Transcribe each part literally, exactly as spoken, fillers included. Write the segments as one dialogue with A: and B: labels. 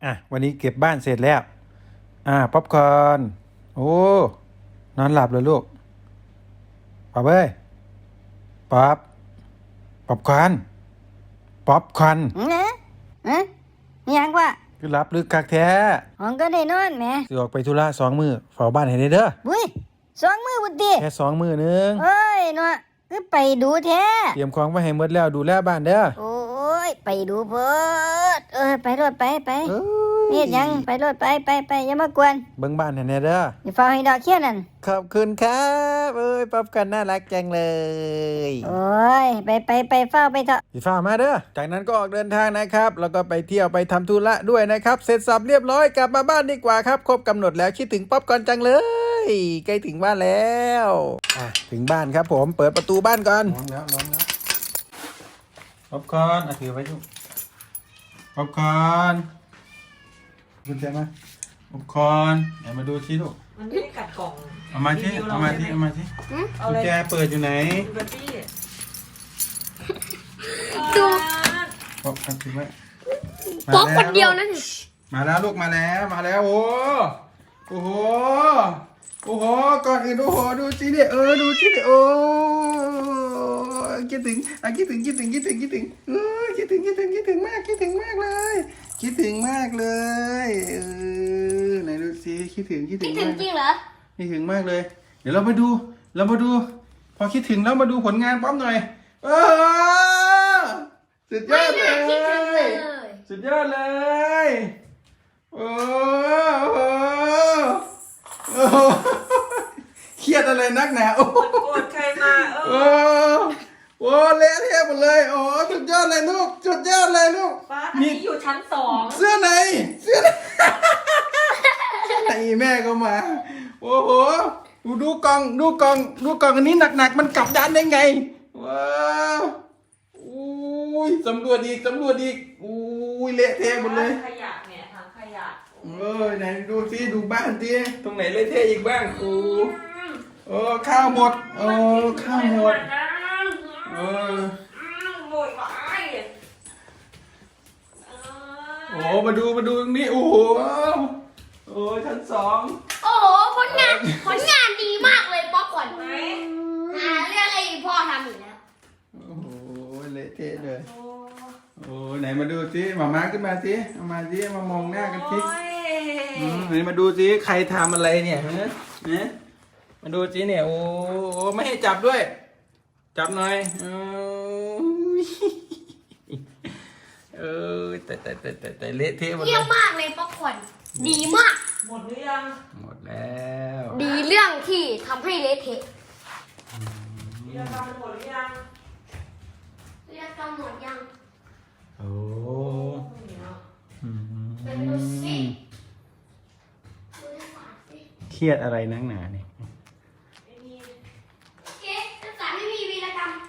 A: อ่ะวันนี้เก็บบ้านเสร็จแล้วอ่าป๊อปคอร์นโอ้นอนหลับเลยลูกป๊อปเอ้ยป๊อปป๊อปคอร์นป๊อปคอร์น
B: เนะเอ๊ะยังวะ
A: คือหลับลึกคักแท้
B: ห้องก็ได้นอนแหม
A: สิออกไปธุระสองมือเฝ้าบ้านให้ได้เด้อ
B: บุ้ยสองมือบุตรี
A: แค่สองมือนึง
B: เอ้ยเนาะคือไปดูแท้
A: เตรียมของไว้ให้หมดแล้วดูแลบ้านเด้อ
B: โอ้ยไปดูเพิดเออไปรถไปไปนี่ยังไปรถไปไปไปอย่ามากวน
A: เบิ่งบ้านให้แน่เด้อ
B: อย่าเฝ้าให้ดอกเขี้ยนั่น
A: ขอบคุณครับเอ้ยป๊อปคอร์นน่ารักจังเลย
B: โอ้ยไปไปไปเฝ้าไปเถอะ
A: สิฟ้ามาเด้อจากนั้นก็ออกเดินทางนะครับแล้วก็ไปเที่ยวไปทำธุระด้วยนะครับเสร็จสับเรียบร้อยกลับมาบ้านดีกว่าครับครบกำหนดแล้วคิดถึงป๊อปคอร์นจังเลยใกล้ถึงบ้านแล้วอ่ะถึงบ้านครับผมเปิดประตูบ้านก่อนร้องแล้วร้องแล้วป๊อปคอร์นอ่ะถือไว้ทุกป๊อปคอร์นคุณแจมาป๊อปคอร์นเดี๋ยวมาดูชี้ลูก
C: มันไม่ได้กัดกล่อง
A: เอามาที่เอามาที่เอามาที่กุญแจเปิดอยู่ไหน
C: ดู
A: ป๊อปคอร์นถือไว้
C: ป๊อปคนเดียวนั่น
A: มาแล้วลูกมาแล้วมาแล้วโอ้โอ้โหโอ้โหก่อนอื่นโอ้โหดูสิเนี่ยเออดูสิเนี่ยโอ้คิดถึงอ่ะคิดถึงคิดถึงคิดถึงคิดถึงเออคิดถึงคิดถึงคิดถึงมากคิดถึงมากเลยคิดถึงมากเลยเออไหนดูสิคิดถึงคิดถึง
C: คิดถึงจริงเหรอ
A: คิดถึงมากเลยเดี๋ยวเรามาดูเรามาดูพอคิดถึงแล้วมาดูผลงานป๊อปหน่อยเออสุดยอดเลยสุดยอดเลยโอ้โหโอ้โหเครียดอะไรนักหนาโอ้โ
C: กดใครมา
A: เออโอ้เละเทะหมดเลยโอ้สุดยอดเลยลูกสุดยอดเลยลูก
C: ป้าที่อยู่ชั้นสอง
A: เสื้อไหนเสื้อไหนแม่ก็มาโอ้โหดูดูกล่องดูกล่องดูกล่องอันนี้หนักๆมันกลับด้านได้ไงว้าวอุ้ยสำรวจอีกสำรวจอีกอุ้ยเละเทะหมดเลย
C: ขยะเนี่ยถังขยะ
A: เออไหนดูสิดูบ้านสิตรงไหนเละเทะอีกบ้างโอ้เออข้าวหมดเออข้าวหมดเออ
C: หมดไป
A: โอ้มาดูมาดูตรงนี้โอ้โหโอ้ชั้นสอง
D: โอ้โหผลงานผลงานดีมากเลยป๊อปก่อนไหมหาเรื่องให้พ่อทำอยู่แล้ว
A: โอ้โหเละเทะเลยโอ้ไหนมาดูสิหมาม้าขึ้นมาสิเอามาสิมามองหน้ากันสิไหนมาดูสิใครทำอะไรเนี่ยฮะเนี่ยมาดูสิเนี่ยโอ้ไม่ให้จับด้วยจับหน่อยเออแต่แต่แต่แต่แต่เละเทะหมดเลย
D: เยี่ยมมากเลยป๊อปคอร์นดีมาก
C: หมดหรือยัง
A: หมดแล้ว
D: ดีเรื่องที่ทำให้เละเทะ
C: เรียกกรรมหมดหรือยัง
D: เรียกกรรมหมดยัง
A: โอ้
D: เป็นดูสิ
A: เครียดอะไรนักหนาเนี่ย
D: เอ๊ะภาษาไม่มีวีรกรรม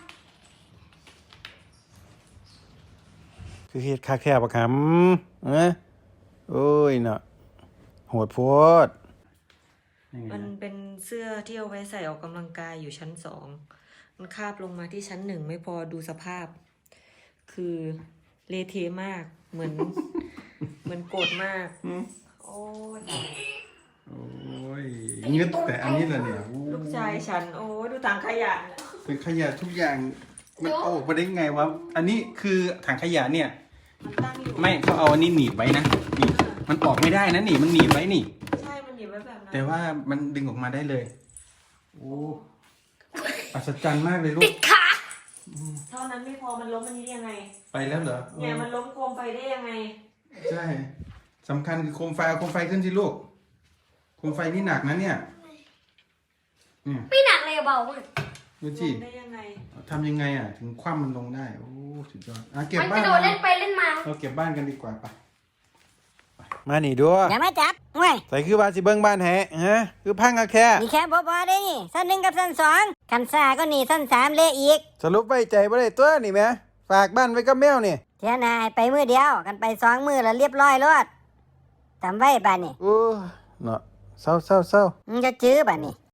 A: คือเครียดคาแคบปะครับเอ้ยโอ้ยเนาะโหดโพด
C: มันเป็นเสื้อที่เอาไว้ใส่ออกกำลังกายอยู่ชั้นสองมันคาบลงมาที่ชั้นหนึ่งไม่พอดูสภาพคือเละเทะมากเหมือนเหมือนโกรธมากโอ้ย
A: โอ้ยงึดแต่อันนี้แหละเนี่ย
C: ลูกชายฉันโอ้ดูถังขยะ
A: เป็นขยะทุกอย่างมันเอาออกมาได้ไงวะอันนี้คือถังขยะเนี่ยไม่เขาเอาอันนี้หนีบไว้นะนี่มันออกไม่ได้นะนี่มันหนีบไว้นี่
C: ใช่มันหนีบไว้แบบนั้น
A: แต่ว่ามันดึงออกมาได้เลยโอ้อัศจรรย์มากเลยลูก
D: ติดขา
C: เท่านั้นไม่พอมันล้มมันนี้ยังไง
A: ไปแล้วเหรอ
C: เนี่ยมันล้มโคมไฟได้ยังไง
A: ใช่สำคัญคือโคมไฟเอาโคมไฟขึ้นสิลูกโคมไฟนี่หนักนะเนี่ย
D: ไม่หนักเลยเบามาก
A: ดูสิ
C: ได้ยังไง
A: ทำยังไงอ่ะถึงคว่ำมันลงได้โอ้สุดยอดอ่ะเก็บบ้าน
D: มันกระโดดเล่นไปเล่นมา
A: เราเก็บบ้านกันดีกว่าไปมาหนีด้วย
B: อย่ามาจับเว้ย
A: ใส่คือว่าสิเบิ้งบ้านแฮะฮะคือพังอะแค่
B: มีแค่พอพอได้นี่สั้นหนึ่งกับสั้นสองขันซ่าก็นี่สั้นสามเละอีก
A: สรุปไว้ใจบ่ได้ตัวนี่แม่ฝากบ้านไว้กับแมวนี่
B: เทียนายไปมือเดียวกันไปสองมือแล้วเรียบร้อยรอดจำไว้บ้านนี่
A: โอ้เนาะเศร้าเศร้าเศร้า
B: มึงจะจื้อบ้านนี่